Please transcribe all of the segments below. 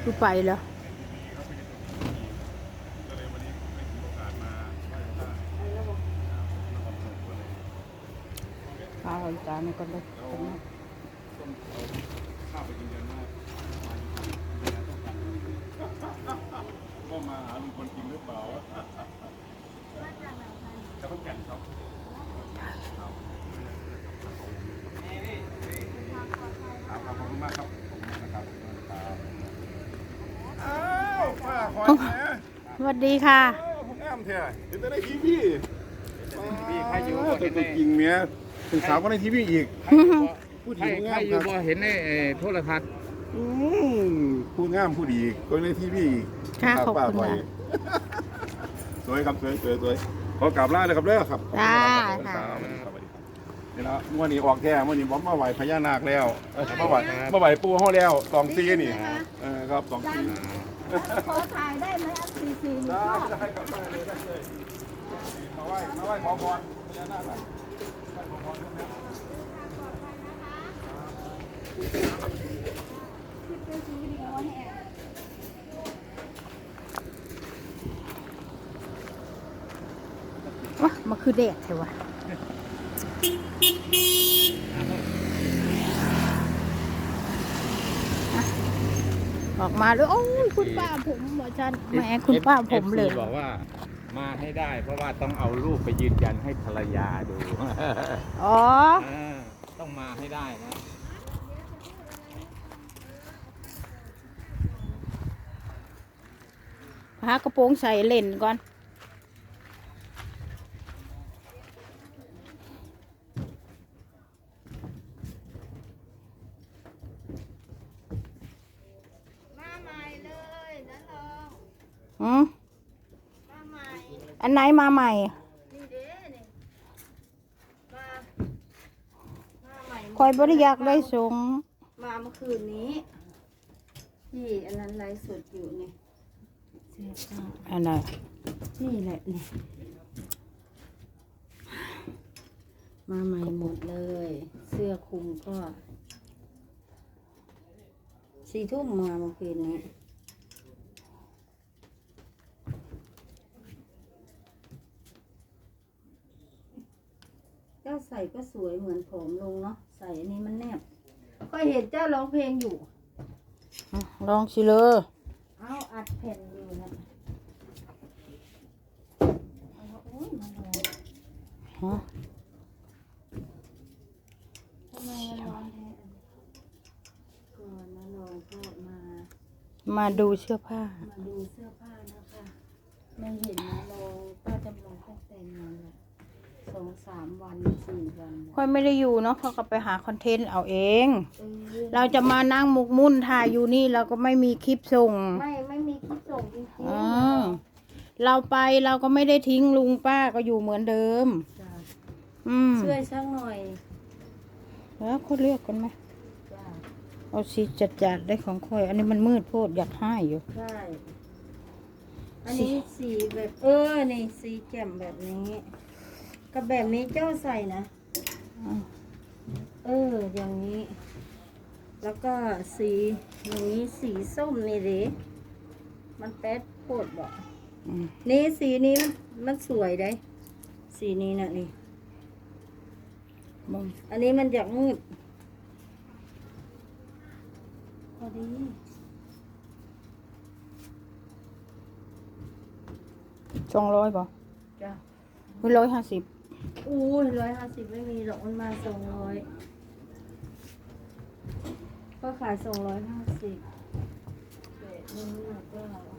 ดูไปเหรอเอาจานนี้ก็ได้ก็มาหาลุงคนจริงหรือเปล่าจะต้องแก่นครับขอบคุณมากครับอ้าวป้าคอยนะสวัสดีค่ะผมแอมเถอะเห็นแต่ในทีวีใครอยู่ตัวจริงเนี่ยถึงสาวก็ในทีวีอีกพูดถึงงามครับเห็นในโทรทัศน์พูดงามพูดดีก็ในทีวีค่ะขอบคุณสวยครับสวยขอกราบลาเลยครับเด้อครับจ้านี่นะวันนี้ออกแท้วันนี้ผมมาไหวพญานาคแล้วมาไหวปูห้อแล้ว2 ปีนี่ครับ2 ปีขอถ่ายได้ไหมอันซีได้ครับได้เลยมาไหว้ขอพรพญานาคไหว้ขอพรวะมันคือเด็กใช่ปะออกมาเลยโอ้ยคุณป้าผมหมอจันแหมคุณป้าผมเลยบอกว่ามาให้ได้เพราะว่าต้องเอารูปไปยืนยันให้ภรรยาดูอ๋อต้องมาให้ได้นะหากระโปรงใส่เล่นก่อนมาใหม่เลยนะลองมาใหม่ อันไหนมาใหม่นี่เด้นี่มาใหม่คอยบริยากได้สงมาเมื่อคืนนี้ที่อันนั้นไลฟ์สดอยู่นี่เสื้อผ้าอันไหนนี่แหละนี่มาใหม่หมดเลย เสื้อคลุมก็4 ทุ่มมาเมื่อคืนนี้เจ้าใส่ก็สวยเหมือนผมลงเนาะใส่อันนี้มันแนบก็เห็นเจ้าร้องเพลงอยู่ลองสิเลยเอาอัดแผ่นอยู่นะเอาโอ้ยมาลองฮะทำไมมันร้อนแท้ก่อนมาลองก็มาดูเสื้อผ้ามาดูเสื้อผ้านะคะไม่เห็นนะลองป้าจำลองตั้งแต่นานละ2-3 วัน4 วันค่อยไม่ได้อยู่เนาะเขาก็ไปหาคอนเทนต์เอาเองเออเราจะมานั่งหมกมุ่นถ่ายอยู่นี่เราก็ไม่มีคลิปส่งไม่มีคลิปส่งจริงอ๋อๆเราไปเราก็ไม่ได้ทิ้งลุงป้าก็อยู่เหมือนเดิมจ้ะช่ช่วยสักหน่อยแล้วเขาเลือกกันไหมจ้ะเอาสีจัดๆได้ของค่อย อันนี้มันมืดโพดอยากให้อยู่ใช่อันนี้สีแบบนี่สีแจ่มแบบนี้กับแบบนี้เจ้าใส่นะ อย่างนี้ แล้วก็สีอย่างนี้สีส้มนี่เด้มันแป๊ดโคตรบอกอืมนี่สีนี้มันสวยได้ สีนี้นะนี่มึงอันนี้มันอยากมืดพอดี 200ป่ะจ้ะ 150 อู้ย150ไม่มีหรอกมันมา200ก็ขาย250แบบนี้ก็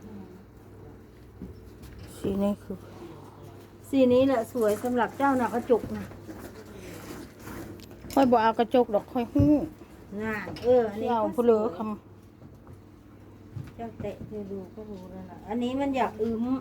สีนี้คือสีนี้แหละสวยสำหรับเจ้าหนักกระจุกนะค่อยบอกเอากระจกดอกค่อยหู้งานอันนี้ที่เอาก็ผู้เหลือคเจ้าเตะเธอดูก็รู้แล้วนะอันนี้มันอยากอืม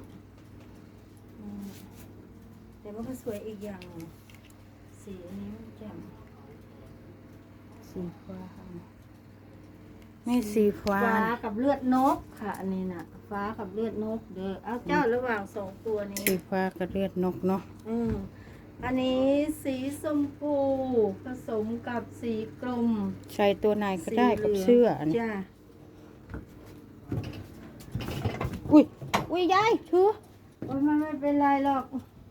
แต่มันก็สวยอีกอย่างหนึ่งสีอันนี้มันแจ่มำสีฟ้าไม่สีฟ้าฟ้ากับเลือดนกค่ะ อันนี้น่ะ ฟ้ากับเลือดนกเด้อเอาเจ้าระหว่าง2 ตัวนี้สีฟ้ากับเลือดนกเนาะอันนี้สีชมพูผสมกับสีกรมใส่ตัวไหนก็ได้กับเสื้ออันนี้จ้าอุ้ยอุ้ยยายถือโอ้ยมันไม่เป็นไรหรอก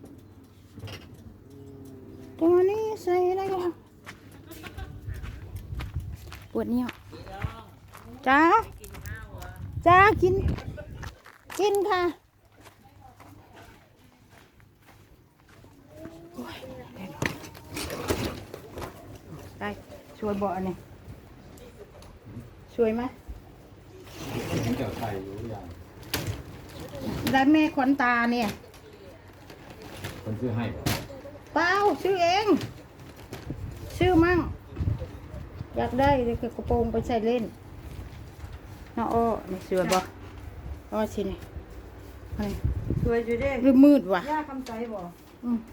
ตัวนี้ใส่ได้แล้วปวดเนี่ยจ้าจ้ากินค่ะโอ้ยได้ช่วยเบาะนี่ช่วยไหมมันจะใส่อยู่อย่างได้แม่ขวัญตาเนี่ยคนซื้อให้บ่เปล่าซื้อเองซื้อมั่งอยากได้เดี๋ยวกระโปรงไปใส่เล่นน้าอ้อนี่สวยบ่อ้อชินี่อะไรสวยอยู่เด้หรือมืดวะย่าคำใจบ่อืม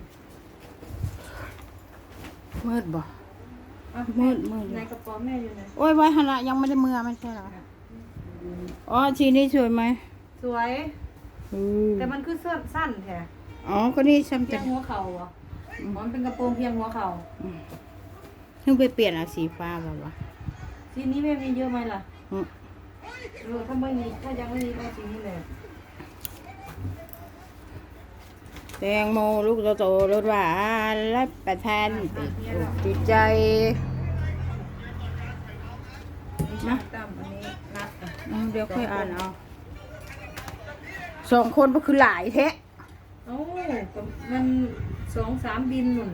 มืดบ่อ่ะมืดในกระเป๋าแม่อยู่ไหนโอ้ยไว้หันละยังไม่ได้มือไม่ใช่เหรออ๋อชีนี้สวยไหมสวยอืมแต่มันคือเสื้อสั้นแท้อ๋อก็นี่ซ้ำเพีจะยงหัวเข่าอ่ะมันเป็นกระโปรงเพียงหัวเข่าเพิ่งไปเปลี่ยนเอาสีฟ้าบ่วะสีนี้แม่มีเยอะไหมล่ะอืมถ้าไม่มีถ้ายังไม่มีก็สีนี้เลยแตงโมลูกโตๆรสหวานและประทานติดใจนะตั้มอันนี้นัดอ่ะเดี๋ยวค่อยอ่านเอา2 คนก็คือหลายแท้เอ้าก็มัน2-3 บินหนุน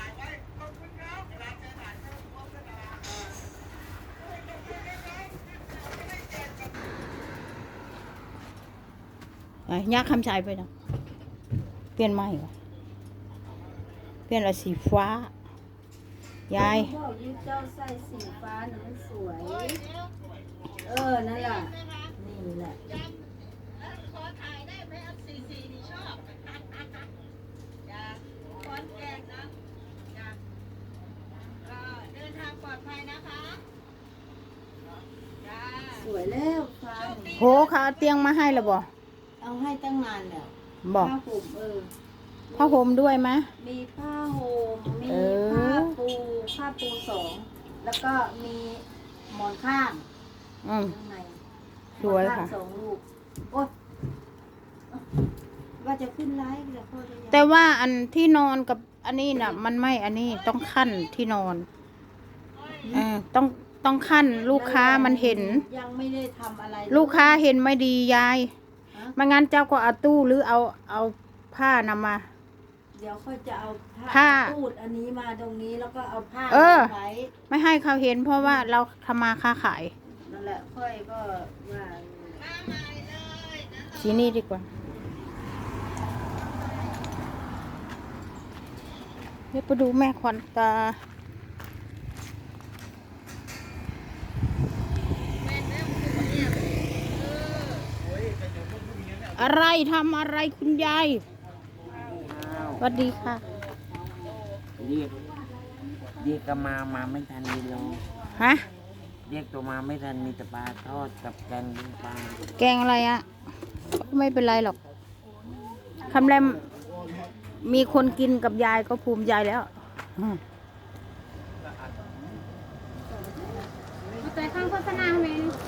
ยักษ์คำชายไปนะเปลี่ยนใหม่วะเปลี่ยนอะไรสีฟ้ายายบอกยูเจ้าใส่สีฟ้าน่ะมันสวย นั่นแหละนี่แหละสวยแล้วฟ้านี่โหเขาเอาเตียงมาให้แล้วบ่เอาให้ตั้งนานแล้วบอกผ้าห่มผ้าห่มด้วยไหมมีผ้าห่มมีเออผ้าปู2แล้วก็มีหมอนข้างอืมข้างในสวยค่ะหมอนข้าง2 ลูกโอ๊ยว่าจะขึ้นไลฟ์แต่พ่อจะยังแต่ว่าอันที่นอนกับอันนี้น่ะ มันไม่อันนี้ต้องขั้นที่นอนต้องขั้นลูกค้ามันเห็นยังไม่ได้ทำอะไรเยลูกค้าเห็นไม่ดียายฮะไม่งั้นเจ้าก็เอาตู้หรือเอาผ้านำมาเดี๋ยวค่อยจะเอาผ้าตูดอันนี้มาตรงนี้แล้วก็เอาผ้าเออไว้ไม่ให้เขาเห็นเพราะว่าเราทำมาค้าขายนั่นแหละค่อยก็ว่าสีนี้ดีกว่าเดี๋ยวไปดูแม่ขวัญตา อะไรทำอะไรคุณยายสวัสดีค่ะเรียกก็มาไม่ทันดีเลยฮะเรียกตัวมาไม่ทันมีแต่ปลาทอดกับแกงเป็นปลาแกงอะไรอะไม่เป็นไรหรอกคำแรมมีคนกินกับยายก็ภูมิใจแล้วแต่ข้างโฆษณาไหม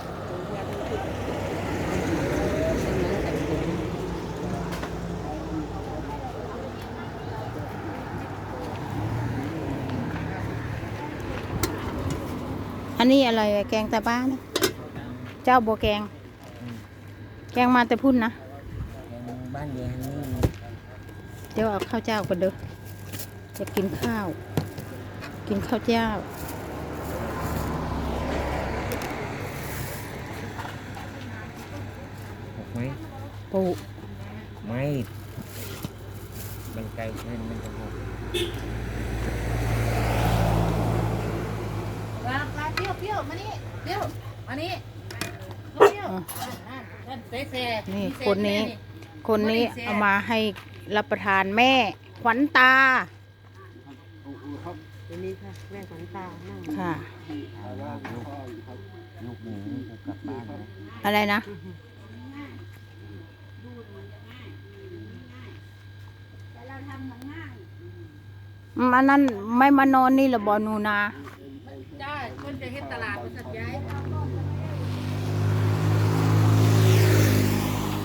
อันนี้อะไรอะแกงตาบ้านะเจ้าบัวแกง แกงมาแต่พุ่นนะแกงบ้านเดียนนี่เดี๋ยวเอาข้าวเจ้าก่อนเด้อจะกินข้าว กินข้าวเจ้าหกไหมปูไม่ มันไกลเกินมันจะหกปลาเปรี้ยวมานี่เปรี้ยวมานี่นี่คนนี้ เอามาให้รับประทานแม่ขวัญตานี่ค่ะแม่ขวัญตานั่งค่ะลูกหมูจะกลับบ้านนะอะไรนะ อันนั้นไม่มานอนนี่เหรอบอนูนาจ้าคนจะเฮ็ดตลาดมาสัตว์ย้าย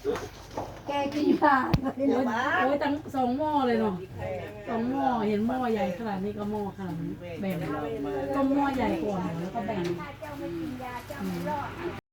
แกกินยาโอ้ยตั้ง2 หม้อเลยเนาะ2 หม้อเห็นหม้อใหญ่ขนาดนี้ก็หม้อขนาดนี้แบ่งก็หม้อใหญ่กว่าแล้วก็แบ่ง